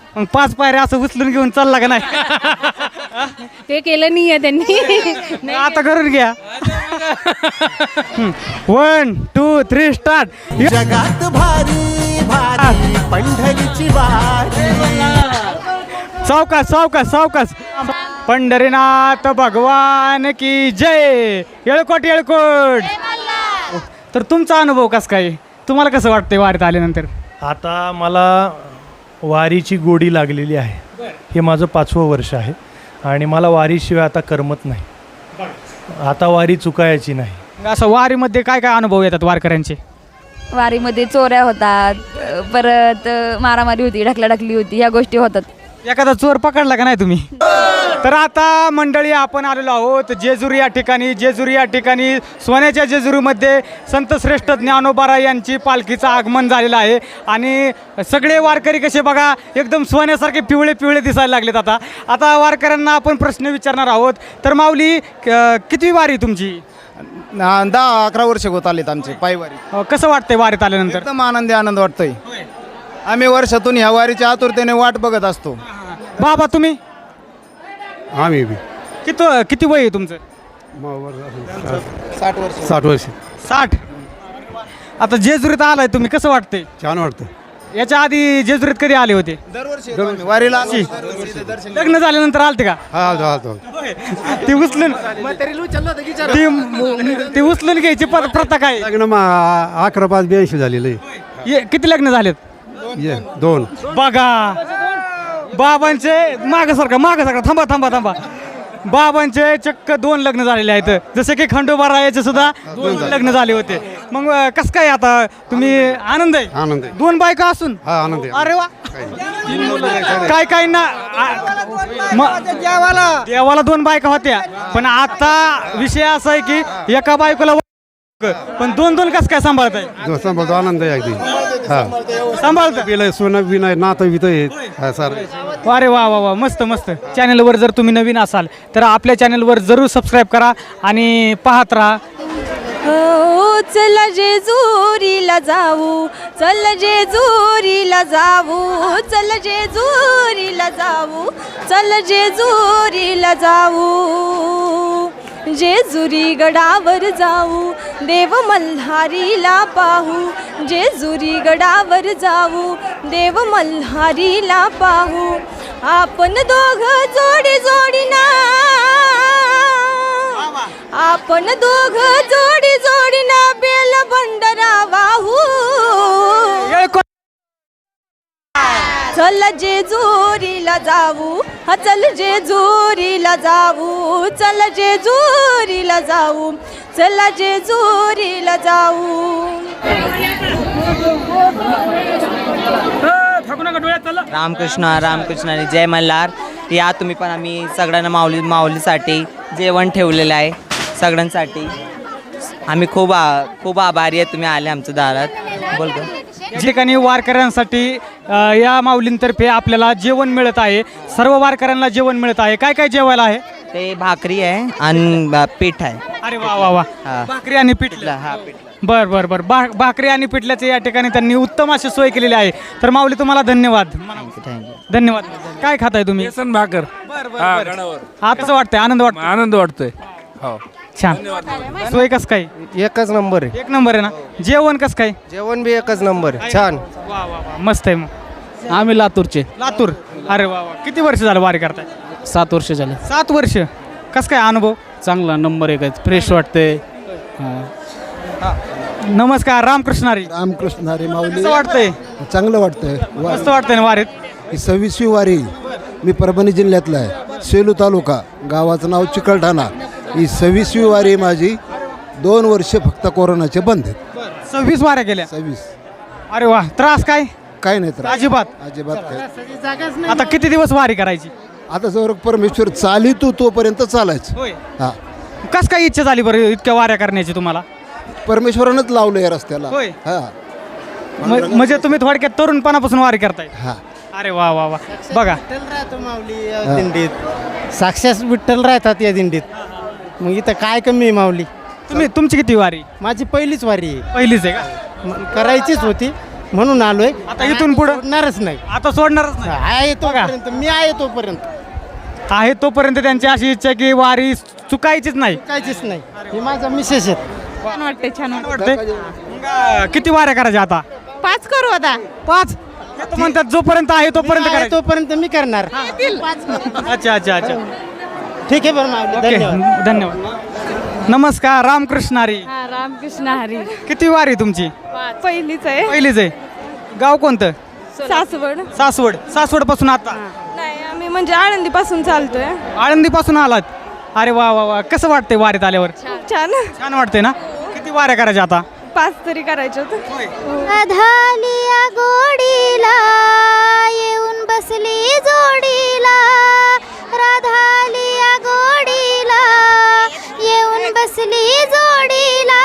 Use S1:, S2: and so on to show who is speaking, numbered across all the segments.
S1: मग 5 पायऱ्या असं उचलून घेऊन चालला का नाही?
S2: ते केलं नाहीये त्यांनी.
S1: आता करून घ्या. 1 2 3 स्टार्ट.
S3: जगात भारी भारी पंढरीची वारी.
S1: सावकाश सावकाश सावकाश. पंढरीनाथ भगवान की जय. येळकोट येळकोट. तर तुमचा अनुभव कसा काय, तुम्हाला कसं वाटतंय वारीत आल्यानंतर?
S4: आता मला वारीची गोडी लागलेली आहे. हे माझं 5वं वर्ष आहे आणि मला वारीशिवाय आता करमत नाही. आता वारी चुकायची नाही.
S1: असं वारीमध्ये काय काय अनुभव येतात वारकऱ्यांचे?
S2: वारीमध्ये चोऱ्या होतात, परत मारामारी होती, ढकलाढकली होती, ह्या गोष्टी होतात.
S1: एखादा चोर पकडला का नाही तुम्ही? तर आता मंडळी आपण आलेलो आहोत जेजुरी या ठिकाणी. जेजुरी या ठिकाणी सोन्याच्या जेजुरीमध्ये संत श्रेष्ठ ज्ञानोबा यांची पालखीचं आगमन झालेलं आहे आणि सगळे वारकरी कसे बघा एकदम सोन्यासारखे पिवळे पिवळे दिसायला लागलेत. आता वारकऱ्यांना आपण प्रश्न विचारणार आहोत. तर माऊली कितवी वारी तुमची?
S5: 10-11 वर्ष होत आलेत आमचे पायवारी.
S1: कसं वाटतंय वारीत आल्यानंतर?
S5: एकदम आनंद वाटतोय. आम्ही वर्षातून ह्या वारीच्या आतुरतेने वाट बघत असतो.
S1: बाबा तुम्ही?
S6: आम्ही बी
S1: किती वय आहे तुमचं?
S5: 60 वर्ष.
S6: 60 वर्ष.
S1: 60. आता जेजुरीत आलाय तुम्ही, कसं वाटतंय?
S6: छान वाटतं.
S1: याच्या आधी जेजुरीत कधी आले होते?
S5: दरवर्षी येतो आम्ही. वारीला आलो.
S1: लग्न झाल्यानंतर आलते का?
S6: हा
S1: ती उचलून ती उचलून घ्यायची प्रथा काय?
S6: लग्न 11-5-82 झालेलं आहे.
S1: किती लग्न झालेत?
S6: 2.
S1: बघा बाबांचे माग सारखा थांबा. बाबांचे चक्क 2 लग्न झालेले आहेत. जसे की खंडोबा रायाचे सुद्धा 2 लग्न झाले होते. मग कसं काय आता तुम्ही आनंद आहे?
S6: आनंद आहे.
S1: 2 बायका असून?
S6: हा आनंद आहे.
S1: अरे वा. काय ना देवाला 2 बायका होत्या, पण आता विषय असा आहे की एका बायकोला पण 2 कसं काय सांभाळत आहे?
S6: सांभाळतो. आनंद आहे अगदी. हा
S1: सांभाळत
S6: बिल सोनं बिन नातं बित आहे सर.
S1: अरे वा वा वा, मस्त मस्त. चॅनलवर जर तुम्ही नवीन असाल तर आपल्या चॅनलवर जरूर सबस्क्राईब करा आणि पाहत राहा.
S2: चल जेजुरीला जाऊ, चल जेजुरीला जाऊ, चल जेजुरीला जाऊ, चल जेजुरीला जाऊ. जेजुरी गडावर जाऊ, देव मल्हारीला पाहू. जेजुरी गडावर जाऊ, देव मल्हारीला पाहू. आपण दोघ जोडी जोडीना, आपण दोघ जोडी जोडीना बेल बंडरा वाहू. चल जेजुरीला जाऊ, हा चल जेजुरीला जाऊ, चल जेजुरीला जाऊ, चल जेजुरीला जाऊ.
S7: रामकृष्ण आणि जय मल्हार. या तुम्ही पण आम्ही सगळ्यांना माऊलीसाठी जेवण ठेवलेलं आहे सगळ्यांसाठी. आम्ही खूप आभारी आहे तुम्ही आले आमच्या दारात. बोलतो
S1: या ठिकाणी वारकऱ्यांसाठी या माऊलींतर्फे आपल्याला जेवण मिळत आहे. सर्व वारकऱ्यांना जेवण मिळत आहे. काय काय जेवायला आहे?
S7: ते भाकरी आहे आणि पीठ आहे.
S1: अरे वा वा वा.
S7: हा.
S1: भाकरी आणि पिठलं.
S7: हा पीठ.
S1: बर भाकरी आणि पिठल्याचे या ठिकाणी त्यांनी उत्तम अशी सोय केलेली आहे. तर माऊली तुम्हाला धन्यवाद.
S7: थँक्यू.
S1: धन्यवाद. काय खाताय तुम्ही?
S8: बेसन भाकर.
S1: आता वाटतंय आनंद वाटतो?
S8: आनंद वाटतोय. हो
S1: छान. सोय कस काय?
S5: एकच नंबर आहे.
S1: 1 नंबर आहे ना. जेवण कस काय?
S5: जेवण बी एकच नंबर आहे. छान.
S1: वा वा वा, मस्त आहे. मग
S8: आम्ही लातूरचे.
S1: लातूर. अरे वा वा. किती वर्ष झालं वारी करताय?
S8: 7 वर्ष झाले.
S1: 7 वर्ष. कस काय अनुभव?
S8: चांगला नंबर 1 आहे. फ्रेश वाटते.
S1: नमस्कार. रामकृष्णारी.
S9: रामकृष्ण हरी माऊली.
S1: कसं वाटतंय?
S9: चांगलं वाटतंय.
S1: मस्त वाटतंय ना वारीत?
S9: ही 26वी वारी. मी परभणी जिल्ह्यातला आहे. सेलू तालुका. गावाचं नाव चिकलठाणा. ही 26वी वारी माझी. 2 वर्ष फक्त कोरोनाचे बंद आहेत.
S1: 26 वाऱ्या केल्या.
S9: 26.
S1: अरे वा. त्रास काय?
S9: काय नाही तर
S1: अजिबात.
S9: काय.
S1: आता किती दिवस वारी करायची?
S9: आता जर परमेश्वर चालितो तोपर्यंत चालायचं.
S1: होय.
S9: हा.
S1: कस काय इच्छा झाली बरं इतक्या वाऱ्या करण्याची तुम्हाला?
S9: परमेश्वरानंच लावलं या रस्त्याला.
S1: होय.
S9: हा.
S1: म्हणजे तुम्ही थोडक्यात तरुणपणापासून वारी करताय?
S9: हा.
S1: अरे वा वा वा. बघा
S5: दिंडीत साक्षात विठ्ठल राहतात या दिंडीत. मग इथं काय कमी आहे माऊली.
S1: तुमची किती वारी?
S5: माझी पहिलीच वारी आहे.
S1: पहिलीच आहे का?
S5: करायचीच होती म्हणून आलोय.
S1: आता इथून पुढं
S5: सोडणारच नाही.
S1: आता सोडणारच नाही.
S5: आहे तोपर्यंत मी आहे तोपर्यंत
S1: आहे तोपर्यंत त्यांची अशी इच्छा की वारी चुकायचीच नाही.
S5: काहीच नाही. हे माझा मिसेस आहेत.
S2: छान वाटते छान
S1: वाटतंय मग, किती वाऱ्या करायच्या आता?
S2: 5 करू आता.
S1: 5 म्हणतात जोपर्यंत आहे तोपर्यंत
S5: आहे
S1: करायचं.
S5: तोपर्यंत मी करणार.
S1: अच्छा अच्छा अच्छा.
S5: ठीक आहे बरं माऊली,
S1: ओके
S5: धन्यवाद.
S1: धन्यवाद. नमस्कार, रामकृष्ण हरी.
S2: रामकृष्ण हरी.
S1: किती वारी तुमची?
S2: पहिलीच आहे.
S1: पहिलीच आहे. गाव कोणतं?
S2: सासवड.
S1: सासवड पासून आता
S2: नाही आम्ही म्हणजे आळंदी पासून चालतोय.
S1: आळंदी पासून आलात? अरे वा वा वा. कसं वाटतंय वारीत आल्यावर?
S2: छान.
S1: छान वाटतंय ना? किती वाऱ्या करायच्या आता?
S2: 5 तरी करायचे होते.
S10: अधालिया गोडीला येऊन बसली जोडीला, राधालिया गोडीला येऊन बसली जोडीला,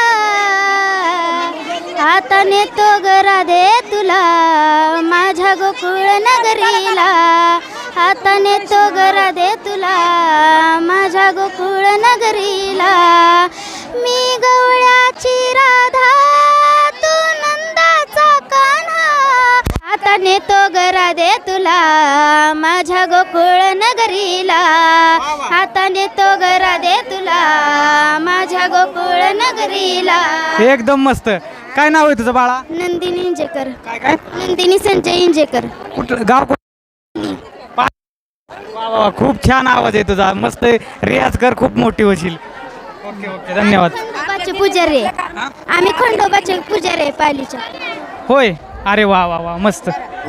S10: आता नेतो ग राधे तुला माझ्या गोकुळ नगरीला, आता नेतो ग राधे तुला माझ्या गोकुळ नगरीला, मी गवळ्याची राधा तू नंदाचा कान्हा, आता नेतो ग राधे तुला माझ्या गोकुळ नगरीला, आता नेतो ग राधे तुला माझ्या गोकुळ नगरीला.
S1: एकदम मस्त. काय नाव आहे तुझं बाळा?
S10: नंदिनी इंजेकर.
S1: काय काय?
S10: नंदिनी संजय इंजेकर.
S1: कुठलं गाव? वा वा वा. खूप छान आवाज आहे तुझा. मस्त रियाज कर, खूप मोठी होशील. ओके ओके धन्यवाद.
S10: खंडोबाचे पुजारी आहे. आम्ही खंडोबाचे पुजारी आहे पालीच्या.
S1: होय. अरे वा वा वा मस्त.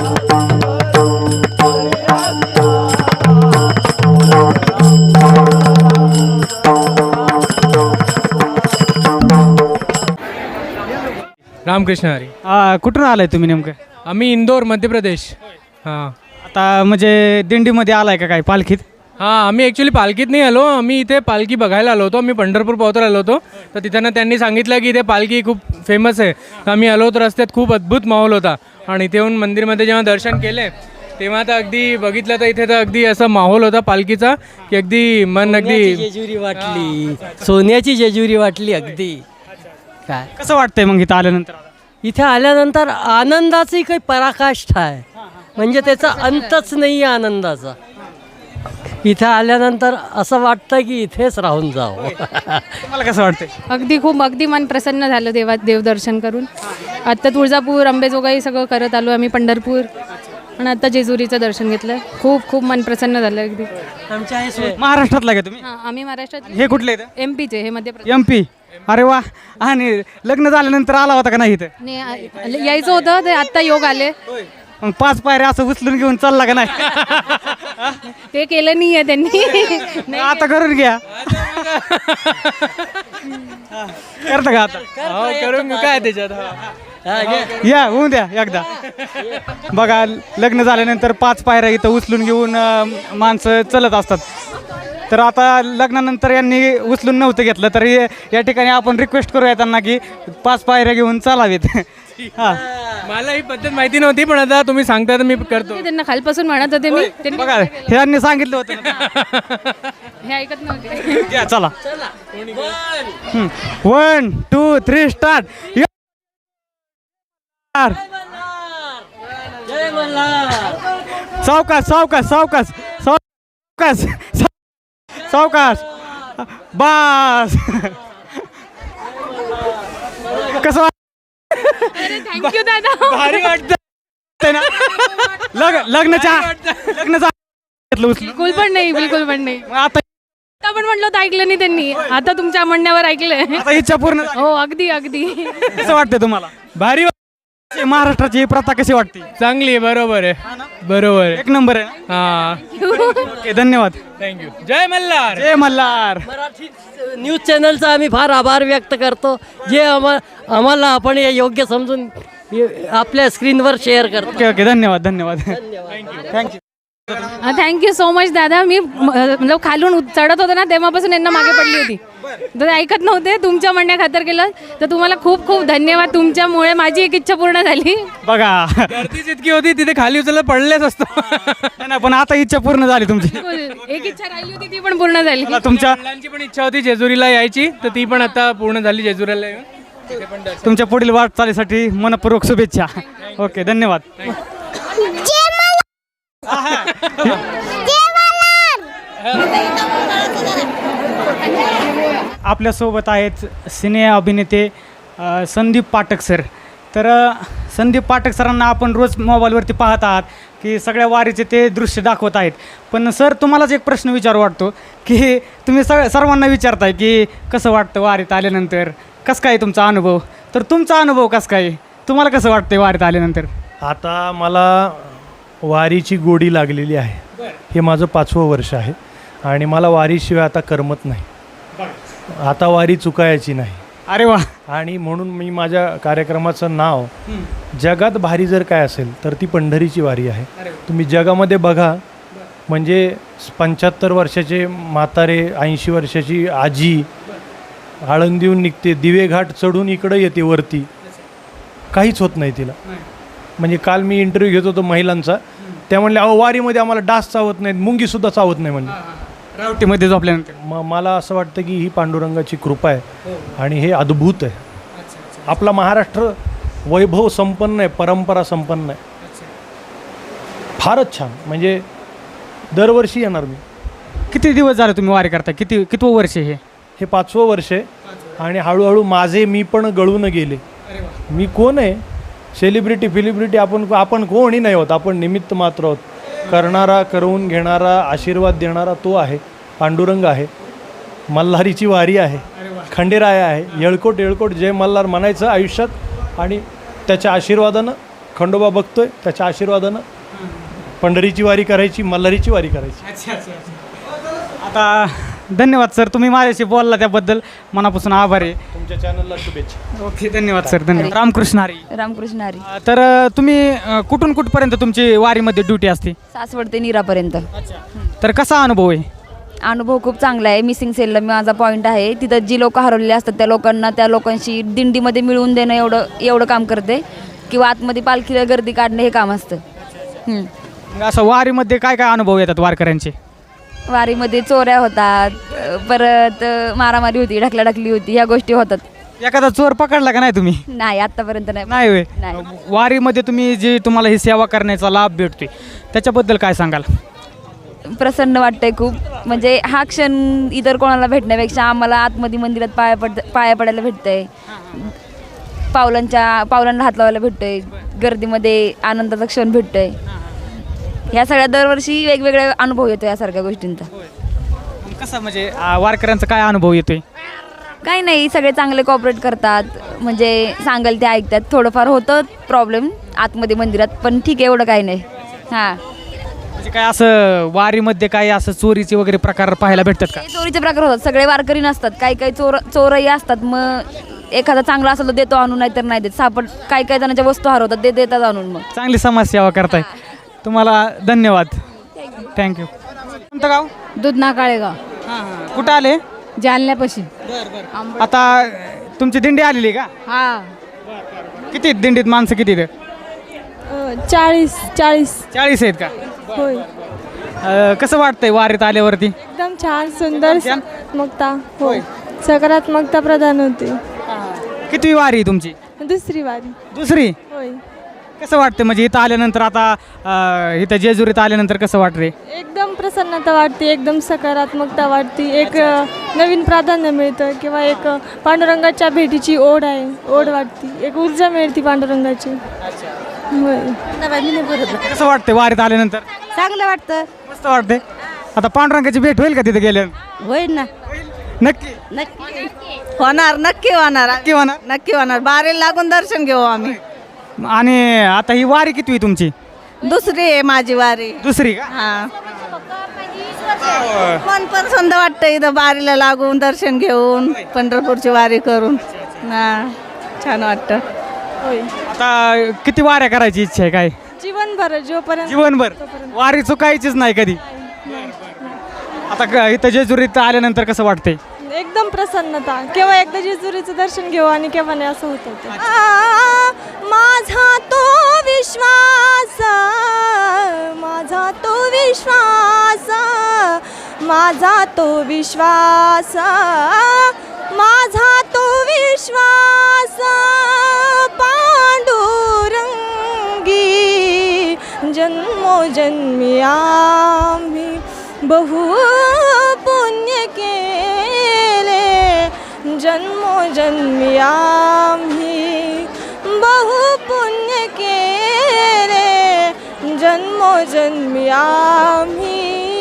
S8: रामकृष्ण हरी.
S1: कुठून आलाय तुम्ही नेमकं?
S8: आम्ही इंदोर मध्य प्रदेश. हां
S1: आता म्हणजे दिंडीमध्ये आलाय का काय पालखीत?
S8: हां आम्ही ॲक्च्युली पालखीत नाही आलो. आम्ही इथे पालखी बघायला आलो होतो. आम्ही पंढरपूर पावतर आलो होतो. तर तिथं त्यांनी सांगितलं की इथे पालखी खूप फेमस आहे. तर आम्ही आलो होतो. रस्त्यात खूप अद्भुत माहोल होता. आणि इथे येऊन मंदिरमध्ये जेव्हा दर्शन केले तेव्हा तर अगदी बघितलं तर इथे तर अगदी असा माहोल होता पालखीचा की अगदी मन अगदी
S7: जेजुरी वाटली, सोन्याची जेजुरी वाटली अगदी. काय
S1: कसं वाटतंय मग इथं आल्यानंतर?
S7: इथे आल्यानंतर आनंदाची काही पराकाष्ठा आहे. म्हणजे त्याचा अंतच नाही आहे आनंदाचा. इथं आल्यानंतर असं वाटतं की इथेच राहून जावं.
S1: तुम्हाला कसं वाटतंय?
S2: अगदी मन प्रसन्न झालं देवदर्शन करून. आत्ता तुळजापूर अंबेजोगाई सगळं करत आलो आम्ही, पंढरपूर, आणि आता जेजुरीचं दर्शन घेतलं. खूप मन प्रसन्न झालं अगदी.
S1: महाराष्ट्रातला का तुम्ही?
S2: हां आम्ही महाराष्ट्रात.
S1: हे कुठले इथं?
S2: MP चे, हे मध्य प्रदेश.
S1: MP. अरे वा. आणि लग्न झाल्यानंतर आला होता का नाही इथं?
S2: नाही, यायचं होतं ते आत्ता योग आले.
S1: मग 5 पायऱ्या असं उचलून घेऊन चालला का नाही?
S2: ते केलं नाही आहे त्यांनी.
S1: आता करून घ्या. करता का आता?
S8: करून काय त्याच्यात.
S1: या होऊन द्या एकदा. बघा लग्न झाल्यानंतर 5 पायऱ्या इथं उचलून घेऊन माणसं चलत असतात. तर आता लग्नानंतर यांनी उचलून नव्हतं घेतलं तर या ठिकाणी आपण रिक्वेस्ट करूया त्यांना की 5 पायऱ्या घेऊन चालावेत. हां
S8: मला ही पद्धत माहिती नव्हती पण आता तुम्ही सांगता तर मी करतो.
S2: त्यांना खालपासून म्हणत होते मी. त्यांनी
S1: बघा ह्यांनी सांगितलं होतं ना.
S2: हे ऐकत नव्हते.
S1: या चला. 1 2 3 स्टार्ट. सावकाश सावकाश सावकाश सावकाश सावकाश. बास. कसं
S2: थँक्यू दादा.
S1: भारी वाटतं ना? लग्नाच्या घेतलं उचलून?
S2: बिलकुल पण नाही.
S1: मग आता
S2: पण म्हटलं तर ऐकलं नाही त्यांनी. आता तुमच्या म्हणण्यावर ऐकलंय.
S1: आता इच्छा पूर्ण झाली.
S2: हो अगदी.
S1: कसं वाटतंय तुम्हाला?
S8: भारी
S1: महाराष्ट्राची ही प्रथा कशी वाटते?
S8: चांगली आहे. बरोबर आहे. बरोबर आहे.
S1: एक नंबर आहे ना?
S8: हां
S1: ओके धन्यवाद.
S8: थँक्यू. जय मल्हार.
S1: जय मल्हार.
S7: मराठी न्यूज चॅनलचा आम्ही फार आभार व्यक्त करतो जे आम्हाला आपण हे योग्य समजून आपल्या स्क्रीनवर शेअर करतो.
S1: ओके ओके धन्यवाद धन्यवाद. थँक्यू.
S2: थँक्यू सो मच दादा. मी मतलब खालून चढत होतो ना तेव्हापासून यांना मागे पडली होती. तर ऐकत नव्हते. तुमच्या म्हणण्या खातर केलं तर तुम्हाला खूप खूप धन्यवाद. तुमच्यामुळे माझी एक इच्छा पूर्ण झाली.
S1: बघा
S8: गर्दीच इतकी होती तिथे खाली उचललं पडलेच असतो.
S1: नाही पण आता इच्छा पूर्ण झाली तुमची.
S2: बिलकुल. एक इच्छा राहिली होती ती पण पूर्ण झाली.
S1: तुमच्या
S8: मुलांची पण इच्छा होती जेजुरीला यायची तर ती पण आता पूर्ण झाली जेजुरीला येऊन.
S1: तुमच्या पुढील वाटचालीसाठी मनपूर्वक शुभेच्छा. ओके, धन्यवाद. आपल्यासोबत आहेत सिने अभिनेते संदीप पाठक सर. तर संदीप पाठक सरांना आपण रोज मोबाईलवरती पाहत आहात की सगळ्या वारीचे ते दृश्य दाखवत आहेत. पण सर, तुम्हालाच एक प्रश्न विचारू वाटतो की तुम्ही सर्वांना विचारताय की कसं वाटतं वारीत आल्यानंतर, कसं काय तुमचा अनुभव. तर तुमचा अनुभव कसं काय, तुम्हाला कसं वाटतं वारीत आल्यानंतर?
S4: आता मला वारीची गोडी लागलेली आहे. हे माझं 5वं वर्ष आहे आणि मला वारीशिवाय आता करमत नाही. आता वारी चुकायची नाही.
S1: अरे वा.
S4: आणि म्हणून मी माझ्या कार्यक्रमाचं नाव जगात भारी जर काय असेल तर ती पंढरीची वारी आहे. तुम्ही जगामध्ये बघा, म्हणजे 75 वर्षाचे म्हातारे, 80 वर्षाची आजी आळंदीहून निघते, दिवेघाट चढून इकडं येते वरती, काहीच होत नाही तिला. म्हणजे काल मी इंटरव्ह्यू घेत होतो महिलांचा, त्या म्हणल्या अहो वारीमध्ये आम्हाला डास चावत नाहीत, मुंगीसुद्धा चावत नाही म्हणजे
S1: रावटीमध्ये झोपल्यानंतर.
S4: मला असं वाटतं की ही पांडुरंगाची कृपा आहे आणि हे अद्भुत आहे. आपला महाराष्ट्र वैभव संपन्न आहे, परंपरा संपन्न आहे. फारच छान. म्हणजे दरवर्षी येणार मी.
S1: किती दिवस झाले तुम्ही वारी करता? कितवं वर्ष हे?
S4: 5वं वर्ष आहे आणि हळूहळू माझे मी पण गळून गेले. मी कोण आहे? सेलिब्रिटी आपण कोणी नाही होत. आपण निमित्त मात्र आहोत. करणारा, करवून घेणारा, आशीर्वाद देणारा तो आहे, पांडुरंग आहे. मल्हारीची वारी आहे, खंडेराय आहे. येळकोट जय मल्हार म्हणायचं आयुष्यात आणि त्याच्या आशीर्वादानं खंडोबा बघतोय, त्याच्या आशीर्वादानं पंढरीची वारी करायची, मल्हारीची वारी करायची.
S1: आता धन्यवाद सर, तुम्ही माझ्याशी बोलला त्याबद्दल मनापासून आभार आहे.
S4: तुमच्या चॅनलला शुभेच्छा.
S1: ओके, धन्यवाद सर. धन्यवाद. रामकृष्ण हरी.
S11: रामकृष्ण हरी.
S1: तर तुम्ही कुठून कुठपर्यंत तुमची वारीमध्ये ड्युटी असते?
S11: सासवड ते नीरापर्यंत.
S1: तर कसा अनुभव आहे?
S11: अनुभव खूप चांगला आहे. मिसिंग सेलला माझा पॉईंट आहे. तिथं जी लोक हरवलेली असतात त्या लोकांशी दिंडीमध्ये मिळवून देणं एवढं काम करते. किंवा आतमध्ये पालखीला गर्दी काढणं हे काम असतं.
S1: असं वारीमध्ये काय काय अनुभव येतात वारकऱ्यांचे?
S11: वारीमध्ये चोऱ्या होतात, परत मारामारी होती, ढकलाढकली होती, ह्या गोष्टी होतात.
S1: एखादा चोर पकडला का नाही तुम्ही?
S11: नाही, आत्तापर्यंत नाही.
S1: नाही होय.
S11: नाही.
S1: वारीमध्ये तुम्ही जी तुम्हाला ही सेवा करण्याचा लाभ भेटतोय त्याच्याबद्दल काय सांगाल?
S11: प्रसन्न वाटतंय खूप. म्हणजे हा क्षण इतर कोणाला भेटण्यापेक्षा आम्हाला आतमध्ये मंदिरात पाया पडायला भेटतंय, पावलांना हात लावायला भेटतोय, गर्दीमध्ये आनंदाचा क्षण भेटतोय. ह्या सगळ्या दरवर्षी वेगवेगळे अनुभव येतो यासारख्या गोष्टींचा.
S1: कसं म्हणजे वारकऱ्यांचा काय अनुभव येतोय?
S11: काही नाही, सगळे चांगले कॉपरेट करतात. म्हणजे सांगाल ते ऐकतात. थोडंफार होतं प्रॉब्लेम आतमध्ये मंदिरात, पण ठीक आहे, एवढं काही नाही. हां,
S1: म्हणजे काय असं वारीमध्ये काही असं चोरीचे वगैरे प्रकार पाहायला भेटतात का?
S11: चोरीचे प्रकार होतात. सगळे वारकरी नसतात, काही चोरही असतात. मग एखादा चांगला असेल तर देतो आणून, नाही तर नाही देत. काही जणांच्या वस्तू हरवतात, ते देतात आणून. मग
S1: चांगली समाजसेवा करताय. तुम्हाला धन्यवाद. थँक्यू. कोणतं गाव?
S2: दुधना काळेगाव.
S1: कुठं आले?
S2: जालन्यापाशी.
S1: आता तुमची दिंडी आलेली का?
S2: हा.
S1: किती दिंडीत माणसं किती? 40 आहेत का?
S2: होय.
S1: कसं वाटतंय वारीत आल्यावरती?
S2: एकदम छान, सुंदर सकारात्मकता. हो, सकारात्मकता प्रदान होते.
S1: किती वारी तुमची?
S2: दुसरी वारी.
S1: दुसरी.
S2: होय.
S1: कसं वाटतं म्हणजे इथं आल्यानंतर? आता इथं जेजुरीत आल्यानंतर कसं वाटते?
S2: एकदम प्रसन्नता वाटते, एकदम सकारात्मकता वाटते. एक नवीन प्राधान्य मिळतं किंवा एक पांडुरंगाच्या भेटीची ओढ वाटते. एक ऊर्जा मिळते पांडुरंगाची. होय.
S1: कसं वाटतंय वारीत आल्यानंतर?
S11: चांगलं वाटतं,
S1: मस्त वाटते. आता पांडुरंगाची भेट होईल का तिथे गेल्यावर?
S11: होईल ना.
S1: नक्की
S11: नक्की होणार. नक्की होणार.
S1: नक्की होणार.
S11: बारेला लागून दर्शन घेऊ आम्ही.
S1: आणि आता ही वारी किती आहे तुमची?
S11: दुसरी आहे माझी वारी.
S1: दुसरी का?
S11: हा. मन पण सुंद वाटतं इथं बारीला लागून दर्शन घेऊन, पंढरपूरची वारी करून. छान वाटतं.
S2: होय.
S1: आता किती वाऱ्या करायची इच्छा आहे? काय
S2: जीवनभर, जोपर्यंत
S1: जीवनभर वारी चुकायचीच नाही कधी. आता इथं जेजुरीत आल्यानंतर कसं वाटतंय?
S2: एकदम प्रसन्नता. केव्हा एकदा जेजुरीचं दर्शन घेऊ आणि केव्हा नाही असं होतं. माझा तो विश्वास, माझा तो विश्वास, माझा तो विश्वास, माझा तो
S11: विश्वास पांडुरंगी जन्मोजन्मी आम्ही बहु पुण्य केले जन्मोजन्मी आम्ही बहु पुण्य केले जन्मोजन्मी आम्ही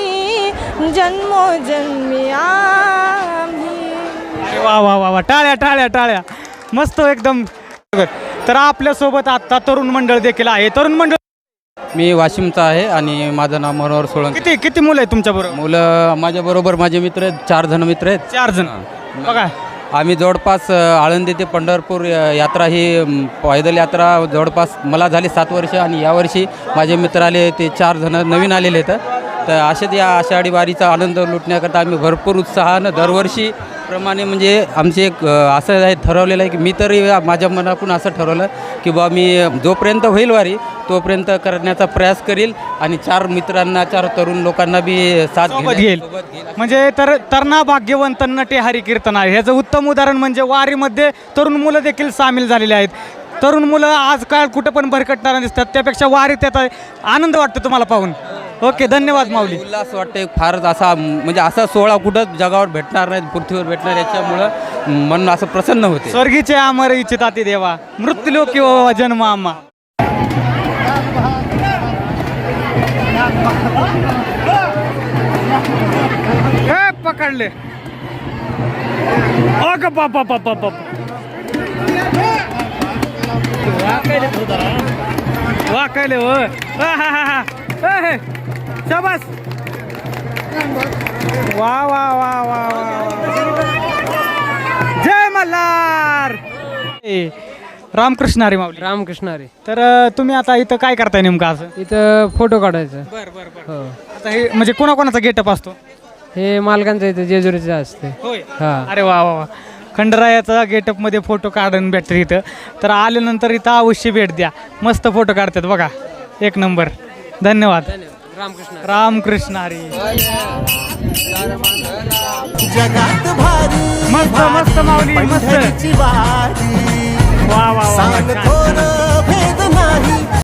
S11: जन्मोजन्मी आम्ही.
S1: वा वा वा वा, टाळ्या टाळ्या टाळ्या, मस्त एकदम. तर आपल्यासोबत आता तरुण मंडळ देखील आहे. तरुण मंडळ
S12: मी वाशिमचा आहे आणि माझं नाव मनोहर सोळंकी.
S1: किती किती मुलं आहेत तुमच्या बरोबर?
S12: मुलं माझ्याबरोबर माझे मित्र आहेत, 4 जण मित्र आहेत.
S1: 4 जण. बघा
S12: आम्ही जवळपास आळंदी ते पंढरपूर यात्रा ही पैदल यात्रा जवळपास मला झाली 7 वर्ष आणि यावर्षी माझे मित्र आले ते 4 जण नवीन आलेले आहेत. तर असेच या आषाढी वारीचा आनंद लुटण्याकरता आम्ही भरपूर उत्साहानं दरवर्षी प्रमाणे म्हणजे आमचे एक असं आहे ठरवलेलं आहे की मी तरी माझ्या मनातून असं ठरवलं की बा मी जोपर्यंत होईल वारी तोपर्यंत करण्याचा प्रयास करील आणि 4 मित्रांना 4 तरुण लोकांना बी साथ
S1: घेईल. म्हणजे तरणा भाग्यवंत नटे हरी कीर्तन आहे. ह्याचं उत्तम उदाहरण म्हणजे वारीमध्ये तरुण मुलं देखील सामील झालेले आहेत. तरुण मुलं आजकाल कुठं पण भरकटणारा दिसतात, त्यापेक्षा वारीत येतात. आनंद वाटतो तुम्हाला पाहून. ओके, धन्यवाद माऊली.
S12: उल्हास वाटते फारच असा म्हणजे असा सोहळा कुठं जगावर भेटणार नाही, पृथ्वीवर भेटणार, याच्यामुळं मन असं प्रसन्न होते.
S1: स्वर्गीचे अमर इच्छिताती देवा मृत्यूलोकी व जन्म आम्हा. पकडले बापा बापा वाकायले हो. शाबास. वा वा वा वा जय मल्हार. रामकृष्ण हरी माऊली.
S8: रामकृष्ण हरी.
S1: तर तुम्ही आता इथं काय करताय नेमकं असं?
S8: इथं फोटो काढायचा.
S1: हो. आता हे म्हणजे कोणाकोणाचा गेटअप असतो?
S8: हे मालकांचं इथं जेजुरीचं असते.
S1: होय.
S8: हां.
S1: अरे वा वा वा. खंडरायाचा गेटअपमध्ये फोटो काढून भेटते इथं. तर आल्यानंतर इथं अवश्य भेट द्या. मस्त फोटो काढतात बघा, एक नंबर. धन्यवाद.
S8: रामकृष्ण.
S1: रामकृष्ण हरी.
S3: जगात भारी
S1: मस्त मस्त माऊली, मस्त.
S3: पंढरीची वारी
S1: वा वा वा,
S3: सांग
S1: छान.
S3: थोर भेद नाही